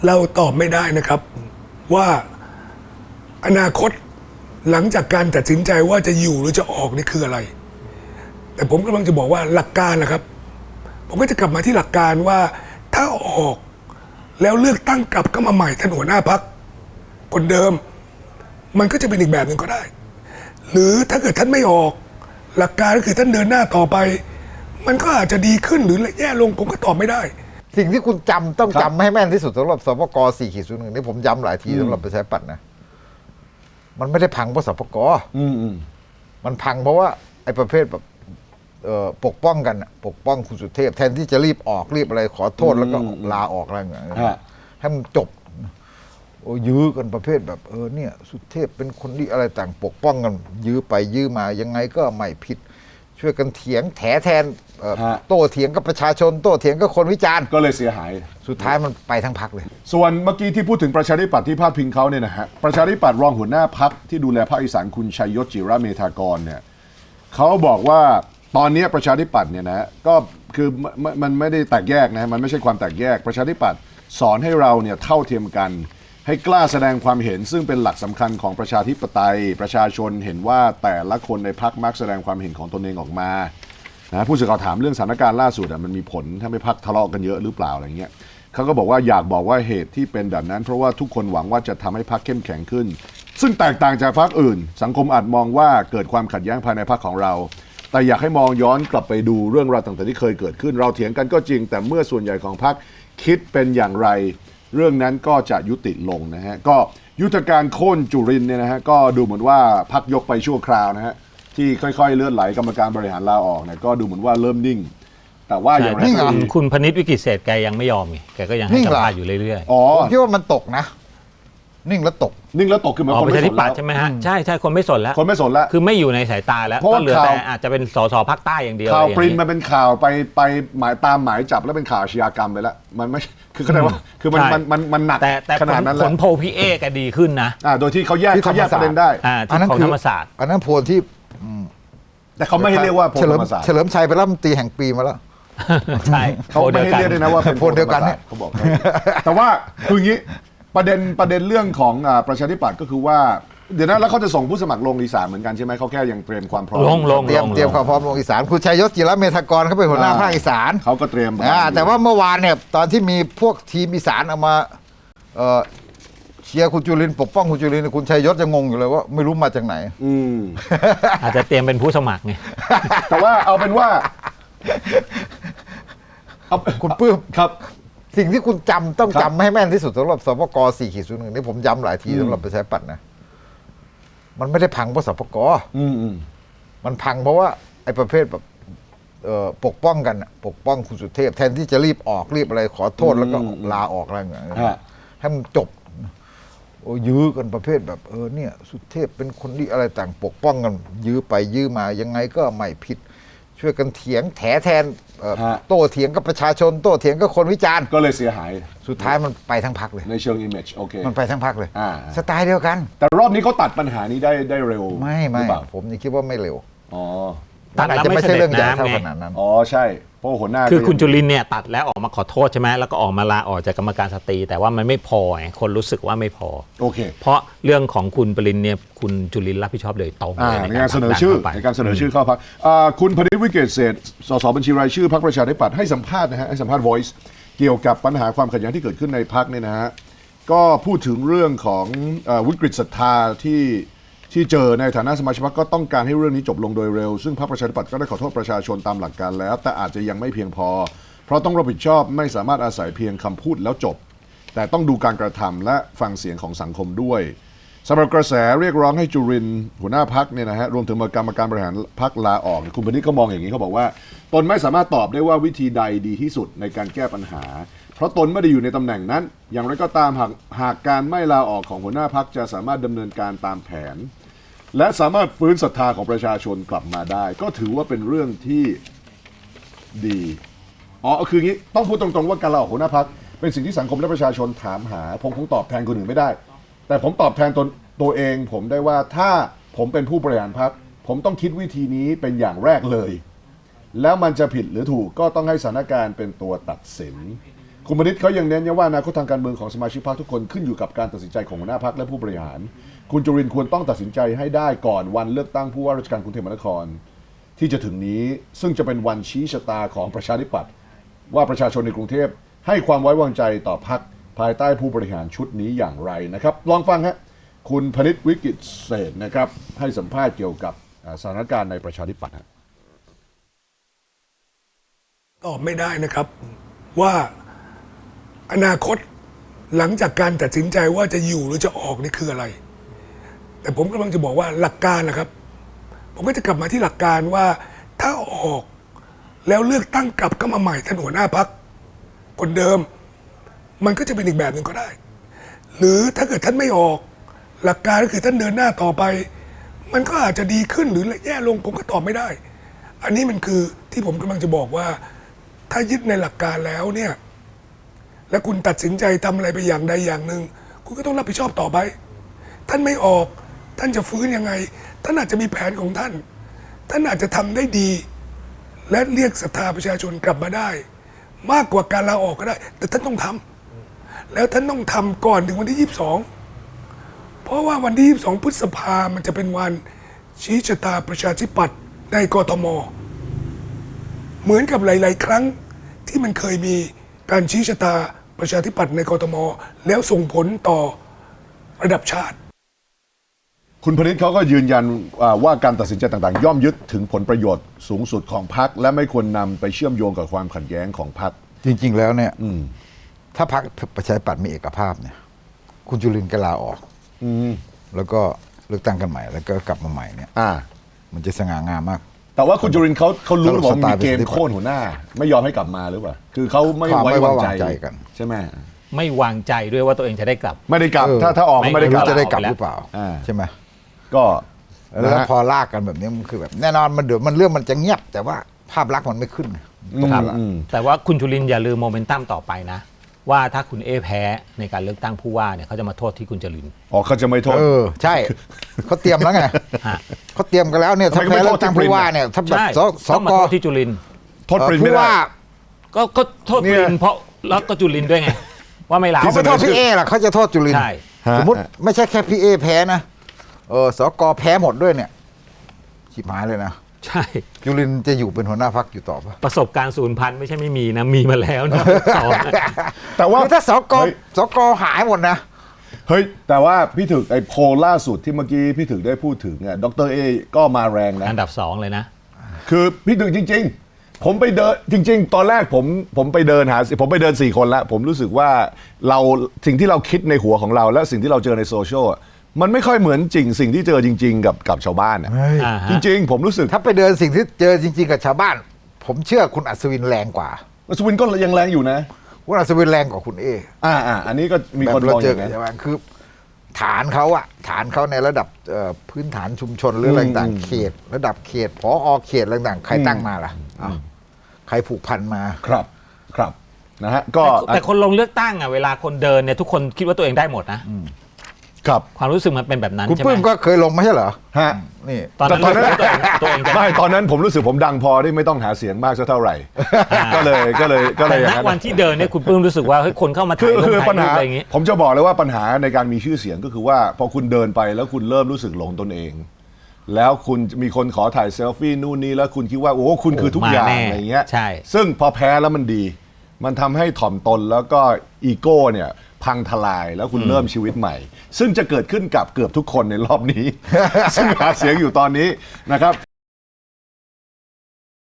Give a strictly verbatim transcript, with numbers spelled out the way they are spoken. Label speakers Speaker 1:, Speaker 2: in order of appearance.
Speaker 1: เราตอบไม่ได้นะครับว่าอนาคตหลังจากการตัดสินใจว่าจะอยู่หรือจะออกนี่คืออะไรแต่ผมกำลังจะบอกว่าหลักการนะครับผมก็จะกลับมาที่หลักการว่าถ้าออกแล้วเลือกตั้งกลับก็มาใหม่ท่านหัวหน้าพรรคคนเดิมมันก็จะเป็นอีกแบบหนึ่งก็ได้หรือถ้าเกิดท่านไม่ออกหลักการก็คือท่านเดินหน้าต่อไปมันก็อาจจะดีขึ้นหรือแย่ลงผมก็ตอบไม่ได้
Speaker 2: สิ่งที่คุณจำต้องจำให้แม่นที่สุดสำหรับสปก สี่ขีดศูนย์หนึ่งนี่ผมย้ำหลายทีสำหรับประชาธิปัตย์นะมันไม่ได้พังเพราะสปกมันพังเพราะว่าไอ้ประเภทแบบปกป้องกันปกป้องคุณสุเทพแทนที่จะรีบออกรีบอะไรขอโทษแล้วก็ลาออกอะไรอย่างเงี้ยให้มันจบโอ้ยื้อกันประเภทแบบเออเนี่ยสุเทพเป็นคนที่อะไรต่างปกป้องกันยื้อไปยื้อมายังไงก็ไม่ผิดช่วยกันเถียงแถแทนโต้เถียงกับประชาชนโต้เถียงกับคนวิจารณ์
Speaker 3: ก็เลยเสียหาย
Speaker 2: สุดท้ายมันไปทั้งพรรคเลย
Speaker 3: ส่วนเมื่อกี้ที่พูดถึงประชาธิปัตย์ที่พาดพิงเขาเนี่ยนะฮะประชาธิปัตย์รองหัวหน้าพรรคที่ดูแลภาคอีสานคุณชัยยศจิระเมธากรเนี่ยเขาบอกว่าตอนนี้ประชาธิปัตย์เนี่ยนะก็คือมันไม่ได้แตกแยกนะมันไม่ใช่ความแตกแยกประชาธิปัตย์สอนให้เราเนี่ยเท่าเทียมกันให้กล้าแสดงความเห็นซึ่งเป็นหลักสำคัญของประชาธิปไตยประชาชนเห็นว่าแต่ละคนในพรรคมักแสดงความเห็นของตนเองออกมานะผู้สื่อข่าวถามเรื่องสถานการณ์ล่าสุดมันมีผลถ้าไม่พรรคทะเลาะกันเยอะหรือเปล่าอะไรเงี้ยเขาก็บอกว่าอยากบอกว่าเหตุที่เป็นแบบนั้นเพราะว่าทุกคนหวังว่าจะทำให้พรรคเข้มแข็งขึ้นซึ่งแตกต่างจากพรรคอื่นสังคมอาจมองว่าเกิดความขัดแย้งภายในพรรคของเราแต่อยากให้มองย้อนกลับไปดูเรื่องราวต่างๆที่เคยเกิดขึ้นเราเถียงกันก็จริงแต่เมื่อส่วนใหญ่ของพรรคคิดเป็นอย่างไรเรื่องนั้นก็จะยุติลงนะฮะก็ยุทธการโค่นจุรินทร์เนี่ยนะฮะก็ดูเหมือนว่าพรรคยกไปชั่วคราวนะฮะที่ค่อยๆเลื่อนไหลกรรมการบริหารลาออกเนี่ยก็ดูเหมือนว่าเริ่มนิ่งแต่ว่าอย่างไรก็ดี
Speaker 4: คุณพนิษฐ์วิกิตเศษแกยังไม่ยอมไงแกก็ยังให้สัมภาษณ์อยู่เรื่อย
Speaker 2: ๆอ๋อผมคิดว่ามันตกนะนิ่งแล้วตก
Speaker 3: นิ่งแล้วตกคือมัน
Speaker 4: คนไม่สนแล้วใช่ไหมฮะใช่ใช่คนไม่สนแล้ว
Speaker 3: คนไม่สนแล้ว
Speaker 4: คือไม่อยู่ในสายตาแล้วก็เหลือแต่อาจจะเป็นสสภาคใต้อย่างเดียว
Speaker 3: ข่าวปริ้นมาเป็นข่าวไปไปหมายตามหมายจับแล้วเป็นข่าวอาชญากรรมไปแล้วมันไม่คือเข้าใจว่าคือมันมันมันมันหนักขนาดนั้นแล้ว
Speaker 4: ผลโพลพี่เอก็ดีขึ้นนะ
Speaker 3: อ่าโดยที่เขาแยกเขาแยกประเด็นได้
Speaker 4: อันนั้นคือธรรมศาสตร์
Speaker 2: อันนั้นโพลที่
Speaker 3: แต่เขาไม่ให้เรียกว่าโพลธรรมศาสตร์
Speaker 2: เฉลิมชัยเป็นรัฐมนตรีแห่งปีมาแล้ว
Speaker 4: ใช่
Speaker 3: เขาไม่ให้เรียกด้วยนะว่าเป็น
Speaker 2: โพลเดียวกันเนี่ย
Speaker 3: เขาบอกแต่ว่าคืออย่างนี้ประเด็นประเด็นเรื่องของประชาธิปัตย์ก็คือว่าเดี๋ยวนั้นแล้วเขาจะส่งผู้สมัครลงอีสานเหมือนกันใช่ไหมเขาแค่ยังเตรียมความพร้อม
Speaker 4: ลงลง
Speaker 2: เตรียมเตรียมความพร้อมลงอีสานคุณชัยยศจิระเมธากรเขาเป็นหัวหน้าภาคอีสาน
Speaker 3: เขาก็เตรียม
Speaker 2: แต่ว่าเมื่อวานเนี่ยตอนที่มีพวกทีมอีสานเอามาเชียร์คุณจุรินทร์ปกป้องคุณจุรินทร์คุณชัยยศจะงงอยู่เลยว่าไม่รู้มาจากไหน
Speaker 3: อืม
Speaker 4: อาจจะเตรียมเป็นผู้สมัครไง
Speaker 3: แต่ว่าเอาเป็นว่า
Speaker 2: คุณปื้ม
Speaker 3: ครับ
Speaker 2: สิ่งที่คุณจำต้องจำให้แม่นที่สุดสำหรับสปก สี่ขีดศูนย์หนึ่งนี่ผมย้ำหลายทีสำหรับประชาธิปัตย์นะมันไม่ได้พังเพราะสปกมันพังเพราะว่าไอ้ประเภทแบบปกป้องกันปกป้องคุณสุเทพแทนที่จะรีบออกรีบอะไรขอโทษแล้วก็ลาออกอะไรอย่างเงี้ยให้มันจบโอ้ยื้อกันประเภทแบบเออเนี่ยสุเทพเป็นคนที่อะไรต่างปกป้องกันยื้อไปยื้อมายังไงก็ไม่ผิดช่วยกันเถียงแถแทนโต้เถียงกับประชาชนโต้เถียงกับคนวิจารณ์
Speaker 3: ก็เลยเสียหาย
Speaker 2: สุดท้ายมันไปทั้งพรรคเลย
Speaker 3: ในเชิง image โอเค
Speaker 2: มันไปทั้งพรรคเลยสไตล์เดียวกัน
Speaker 3: แต่รอบนี้เขาตัดปัญหานี้ได้ได้เร็ว
Speaker 2: ไม่ไม่ผมยังคิดว่าไม่เร็ว
Speaker 3: อ๋อ
Speaker 4: ตัดแล้วไม่ใช่เรื่องใหญ่เท่าขนาดนั้น
Speaker 3: อ๋อใช่เพราะหัวหน้า
Speaker 4: คือคุณจุรินทร์เนี่ยตัดแล้วออกมาขอโทษใช่ไหมแล้วก็ออกมาลาออกจากกรรมการสตรีแต่ว่ามันไม่พอไงคนรู้สึกว่าไม่พอ
Speaker 3: โอเค
Speaker 4: เพราะเรื่องของคุณปรินเนี่ยคุณจุรินทร์รับผิดชอบโดยตรง
Speaker 3: ในการเสนอชื่อในการเสนอชื่อเข้าพรรคคุณพนิษฐ์วิกิตเศษสสบัญชีรายชื่อพรรคประชาธิปัตย์ให้สัมภาษณ์นะฮะให้สัมภาษณ์ Voice เกี่ยวกับปัญหาความขัดแย้งที่เกิดขึ้นในพรรคเนี่ยนะฮะก็พูดถึงเรื่องของวิกฤตศรัทธาที่ที่เจอในฐานะสมาชิกพรรคก็ต้องการให้เรื่องนี้จบลงโดยเร็วซึ่งพรรคประชาธิปัตย์ก็ได้ขอโทษประชาชนตามหลักการแล้วแต่อาจจะยังไม่เพียงพอเพราะต้องรับผิดชอบไม่สามารถอาศัยเพียงคำพูดแล้วจบแต่ต้องดูการกระทำและฟังเสียงของสังคมด้วยสำหรับกระแสเรียกร้องให้จุรินทร์หัวหน้าพรรคเนี่ยนะฮะรวมถึงกรรมการบริหารพรรคลาออกคุณพนิษฐ์ก็มองอย่างนี้เขาบอกว่าตนไม่สามารถตอบได้ว่าวิธีใดดีที่สุดในการแก้ปัญหาเพราะตนไม่ได้อยู่ในตำแหน่งนั้นอย่างไรก็ตามหากหากการไม่ลาออกของหัวหน้าพรรคจะสามารถดำเนินการตามแผนและสามารถฟื้นศรัทธาของประชาชนกลับมาได้ก็ถือว่าเป็นเรื่องที่ดีอ๋อคืออย่างนี้ต้องพูดตรงๆว่าการลาออกหัวหน้าพรรคเป็นสิ่งที่สังคมและประชาชนถามหาผมคงตอบแทนคนอื่นไม่ได้แต่ผมตอบแทนตนตัวเองผมได้ว่าถ้าผมเป็นผู้บริหารพรรคผมต้องคิดวิธีนี้เป็นอย่างแรกเลยแล้วมันจะผิดหรือถูกก็ต้องให้สถานการณ์เป็นตัวตัดสินคุณมณิษฐ์เขายังเน้นย้ำว่าอนาคตทางการเมืองของสมาชิกพรรคทุกคนขึ้นอยู่กับการตัดสินใจของหัวหน้าพรรคและผู้บริหาร คุณจุรินทร์ควรต้องตัดสินใจให้ได้ก่อนวันเลือกตั้งผู้ว่าราชการกรุงเทพมหานครที่จะถึงนี้ซึ่งจะเป็นวันชี้ชะตาของประชาธิปัตย์ว่าประชาชนในกรุงเทพให้ความไว้วางใจต่อพรรคภายใต้ผู้บริหารชุดนี้อย่างไรนะครับลองฟังฮะคุณพนิษฐ์วิกิตเศรษฐ์นะครับให้สัมภาษณ์เกี่ยวกับสถานการณ์ในประชาธิปัตย์
Speaker 1: ตอบไม่ได้นะครับว่าอนาคตหลังจากการตัดสินใจว่าจะอยู่หรือจะออกนี่คืออะไร แต่ผมกำลังจะบอกว่าหลักการนะครับ ผมก็จะกลับมาที่หลักการว่าถ้าออกแล้วเลือกตั้งกลับเข้ามาใหม่ท่านหัวหน้าพรรคคนเดิม มันก็จะเป็นอีกแบบหนึ่งก็ได้ หรือถ้าเกิดท่านไม่ออก หลักการก็คือท่านเดินหน้าต่อไป มันก็อาจจะดีขึ้นหรือแย่ลงผมก็ตอบไม่ได้ อันนี้มันคือที่ผมกำลังจะบอกว่าถ้ายึดในหลักการแล้วเนี่ยแล้วคุณตัดสินใจทำอะไรไปอย่างใดอย่างหนึ่งคุณก็ต้องรับผิดชอบต่อไป ท่านไม่ออกท่านจะฟื้นยังไงท่านอาจจะมีแผนของท่าน ท่านอาจจะทำได้ดี และเรียกศรัทธาประชาชนกลับมาได้ มากกว่าการลาออกก็ได้ แต่ท่านต้องทำแล้วท่านต้องทำก่อนถึงวันที่ยี่สิบสองเพราะว่าวันที่ยี่สิบสองพฤษภามันจะเป็นวันชี้ชะตาประชาธิปัตย์ในกทมเหมือนกับหลาย ๆ ครั้งที่มันเคยมีการชี้ชะตาประชาธิปัตย์ในกทมแล้วส่งผลต่อระดับชาติ
Speaker 3: คุณพนิษฐ์เขาก็ยืนยันว่าการตัดสินใจต่างๆย่อมยึดถึงผลประโยชน์สูงสุดของพรรคและไม่ควรนำไปเชื่อมโยงกับความขัดแย้งของพรรค
Speaker 2: จริง ๆ แล้วเนี่ยถ้าพรรคประชาธิปัตย์มีเอกภาพเนี่ยคุณจุรินทร์ก็ลาออก
Speaker 3: อืม
Speaker 2: แล้วก็เลือกตั้งกันใหม่แล้วก็กลับมาใหม่เนี่ย
Speaker 3: อ่า
Speaker 2: มันจะสง่างามมาก
Speaker 3: แต่ว่าคุณจุรินทร์เขาเขารู้หรือเปล่า
Speaker 2: สไตล์
Speaker 3: มีเกณฑ์โค่นหัวหน้า ไม่ยอมให้กลับมาหรือเปล่าคือเขาไม่
Speaker 2: ความ
Speaker 3: ไว้
Speaker 2: ไม่
Speaker 3: วาง
Speaker 2: ไว้
Speaker 3: ใจ
Speaker 2: วางใจกัน
Speaker 3: ใช่ไหม
Speaker 4: ไม่วางใจด้วยว่าตัวเองจะได้กลับ
Speaker 3: ไม่ได้กลับ
Speaker 2: เออ
Speaker 3: ถ้าถ้าออกก็ไม่ได้
Speaker 2: ไม่
Speaker 3: กลั
Speaker 2: รู้
Speaker 3: บ
Speaker 2: จะได้กลับ
Speaker 4: แล้ว
Speaker 2: หรือเปล่า
Speaker 3: อ่า
Speaker 2: ใช่ไหม
Speaker 3: ก็
Speaker 2: แล้ว
Speaker 3: นะฮะ
Speaker 2: พอลากกันแบบนี้มันคือแบบแน่นอนมันเดี๋ยวมันเรื่องมันจะเงียบ แต่ว่าภาพลักษณ์มันไม่ขึ้น
Speaker 3: อืม
Speaker 2: ครับ
Speaker 3: อืม
Speaker 4: แต่ว่าคุณจุรินทร์อย่าลืมโมเมนตัมต่อไปนะ ว่าถ้าคุณเอแพ้ในการเลือกตั้งผู้ว่าเนี่ยเขาจะมาโทษที่คุณจุรินทร์
Speaker 3: อ๋อเขาจะไม่โทษ
Speaker 2: เออใช่เขาเตรียมแล้วไง
Speaker 4: ฮะ
Speaker 2: เขาเตรียมกันแล้วเนี่ยถ้า
Speaker 3: ทำไม
Speaker 2: แพ้
Speaker 3: ไม่
Speaker 2: เลื
Speaker 3: โท
Speaker 2: อ
Speaker 3: ษ
Speaker 2: กตั้ง
Speaker 3: ที่ปริน
Speaker 2: ผู้ว่าเนี่ยถ้าแบบ
Speaker 4: ใช่
Speaker 2: สส
Speaker 4: ต้องมาก โทษที่จุรินทร์
Speaker 3: โทษปรินไม่
Speaker 2: ผู้
Speaker 3: ได้
Speaker 2: ว่า
Speaker 4: ก็ก็โทษ
Speaker 3: เนี่
Speaker 4: จุ
Speaker 3: ย
Speaker 4: รินทร์เพราะแล้วก็จุรินทร์ด้วยไง ว่าไม่ลา
Speaker 2: เขาไม่โทษพี่เอหรอกเขาจะโทษจุลินทร์
Speaker 4: ใช่
Speaker 3: ฮะ
Speaker 2: สมมติไม่ใช่แค่พี่เอแพ้นะเออสกแพ้หมดด้วยเนี่ยชิบหายเลยนะ
Speaker 4: ใช่
Speaker 2: จุลินทร์จะอยู่เป็นหัวหน้าพรรคอยู่ต่อปะ
Speaker 4: ประสบการณ์ศูนย์พันไม่ใช่ไม่มีนะ มีมาแล้วนะสองนะ
Speaker 3: แต่ว่า
Speaker 2: คือถ้าสก
Speaker 3: เฮ้ย
Speaker 2: สกหายหมดนะ
Speaker 3: เฮ้ยแต่ว่าพี่ถึกไอ้โพลล่าสุดที่เมื่อกี้พี่ถึกได้พูดถึงเนี่ยดรเอก็มาแรงนะ
Speaker 4: อันดับสองเลยนะ
Speaker 3: คือพี่ถึงจริง ๆ ผมไปเดินจริง ๆ ตอนแรกผมผมไปเดินหาผมไปเดินสี่คนแล้ว ผมรู้สึกว่าเราสิ่งที่เราคิดในหัวของเรา และสิ่งที่เราเจอในโซเชียลอะมันไม่ค่อยเหมือนจริงสิ่งที่เจอจริง ๆ กับกับชาวบ้านอะ
Speaker 4: อ่าฮะ
Speaker 3: จริง ๆ ผมรู้สึก
Speaker 2: ถ้าไปเดินสิ่งที่เจอจริง ๆ กับชาวบ้าน ผมเชื่อคุณอัศวินแรงกว่า
Speaker 3: สวินก็ยังแรงอยู่นะ
Speaker 2: คุณอัศวินแรงกว่าคุณเอ
Speaker 3: อ่าอ่าอันนี้ก็มี
Speaker 2: แบ
Speaker 3: คน
Speaker 2: บ
Speaker 3: ม
Speaker 2: เรา
Speaker 3: องอ
Speaker 2: เจอย่าง กับ
Speaker 3: นั้น
Speaker 2: ชาวบ้านคือ ฐานเขาอะฐานเขาในระดับเอ่อพื้นฐานชุมชนหรืออะไรต่าง
Speaker 3: อืม
Speaker 2: ๆเขต ระดับเขตพออเขตอะไรต่างๆใครตั้งมาล่ะอ้าวใครผูกพันมา
Speaker 3: ครับครับนะฮะก็
Speaker 4: แต่แต่คนลงเลือกตั้งอ่ะเวลาคนเดินเนี่ยทุกคนคิดว่าตัวเองได้หมดนะ
Speaker 3: ครับ
Speaker 4: ความรู้สึกมันเป็นแบบนั้น
Speaker 2: คุณ
Speaker 4: ใช่ไห
Speaker 2: ปื้
Speaker 4: ม
Speaker 2: มก็เคยลงไม่ใช่เหรอ
Speaker 3: ฮะ
Speaker 2: นี่
Speaker 4: ตอนนั้น
Speaker 3: ตอนนั้น
Speaker 4: รู้สึกว่าตัวเองตัวเองจะ
Speaker 3: ไม่ตอนนั้นผมรู้สึกผมดังพอที่ไม่ต้องหาเสียงมากสักเท่าไหร่
Speaker 4: อ่า
Speaker 3: ก็เลยก็เลยก็เล
Speaker 4: แต่
Speaker 3: ยอย่าง
Speaker 4: ณ
Speaker 3: นั้น
Speaker 4: วันที่เดินเนี่ยคุณปื้มรู้สึกว่าเฮ้ยคนเข้ามา
Speaker 3: คื
Speaker 4: ถ่าย
Speaker 3: อ
Speaker 4: รูป
Speaker 3: คือ
Speaker 4: ถ่าย
Speaker 3: ปัญ
Speaker 4: รู
Speaker 3: หา
Speaker 4: ปอะไรอย่างงี้
Speaker 3: ผมจะบอกเลยว่าปัญหาในการมีชื่อเสียงก็คือว่าพอคุณเดินไปแล้วคุณเริ่มรู้สึกหลงตนเอง แล้วคุณมีคนขอถ่ายเซลฟี่นู่นนี่แล้วคุณคิดว่าโอ้คุณคือทุกอย่าง
Speaker 4: มาแน่
Speaker 3: อะไรเงี้ย
Speaker 4: ใช่
Speaker 3: ซึ่งพอแพ้แล้วมันดี มันทำให้ถ่อมตนแล้วก็อีโก้เนี่ยพังทลายแล้วคุณเริ่มชีวิตใหม่ ซึ่งจะเกิดขึ้นกับเกือบทุกคนในรอบนี้ ซึ่งหาเสียงอยู่ตอนนี้นะครับ